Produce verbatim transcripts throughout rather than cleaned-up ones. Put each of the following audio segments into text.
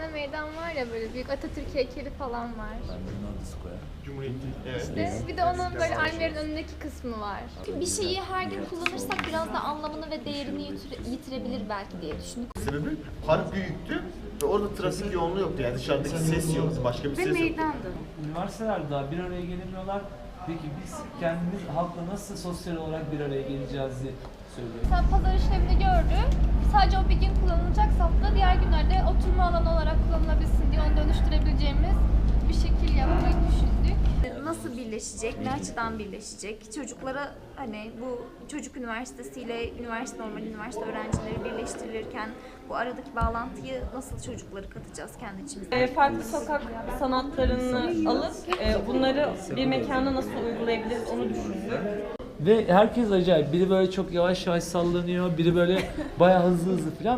tane meydan var ya, böyle büyük Atatürk heykeli falan var. Cumhuriyeti. Evet. İşte bir de onun böyle Almer'in önündeki kısmı var. Bir şeyi her gün kullanırsak biraz da anlamını ve değerini yitire- yitirebilir belki diye düşündük. Sebebi park büyüktü ve orada trafik yoğunluğu yoktu. Yani dışarıdaki ses yoktu. Başka bir ses yoktu. Meydandı. Üniversiteler daha bir araya gelemiyorlar. Peki biz kendimiz halkla nasıl sosyal olarak bir araya geleceğiz diye söylüyorum. Sen pazar işlemini gördün. Sadece o bir gün kullanılacak safta diğer günlerde oturma alanı olarak kullanılabilsin diye onu dönüştürebileceğimiz bir şekil yapmayı düşündük. Nasıl birleşecek, ne açıdan birleşecek? Çocuklara hani bu çocuk üniversitesiyle üniversite normal üniversite öğrencileri birleştirilirken bu aradaki bağlantıyı nasıl çocukları katacağız kendi içimizde? E, farklı sokak sanatlarını alıp e, bunları bir mekana nasıl uygulayabiliriz onu düşündük. Ve herkes acayip. Biri böyle çok yavaş yavaş sallanıyor, biri böyle bayağı hızlı hızlı falan.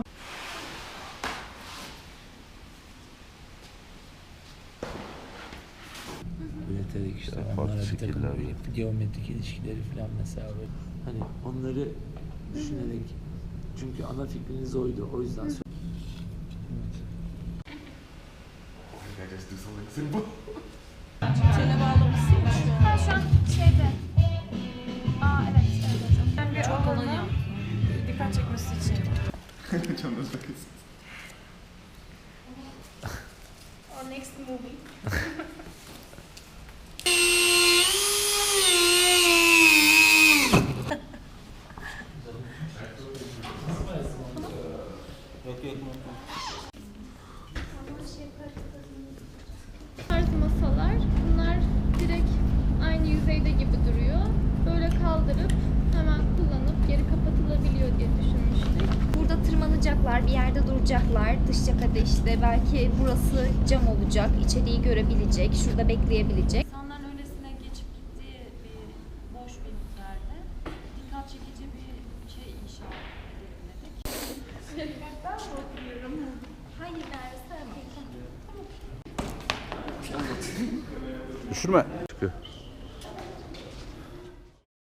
Üreterek işte onlara bir takım geometrik ilişkileri falan mesela böyle. Hani onları düşünerek, çünkü ana fikriniz oydu, o yüzden söyledim. Çene bağlamışsın mı şu an? Ha, şu an şeyde. Aa evet, evet hocam. Ben bir alanı dikkat çekmesi için. Canınız bakın. Our next movie. Tarz masalar, bunlar direkt aynı yüzeyde gibi duruyor. Böyle kaldırıp hemen kullanıp geri kapatılabiliyor diye düşünmüştük. Burada tırmanacaklar, bir yerde duracaklar. Dış cephede işte belki burası cam olacak, içeriği görebilecek, şurada bekleyebilecek. İnsanların öylesine geçip gittiği bir boş bir yerde dikkat çekici bir şey inşa edelim dedik. Ben mi oturuyorum? Hayır Merve, sen Düşürme. Çıkıyor.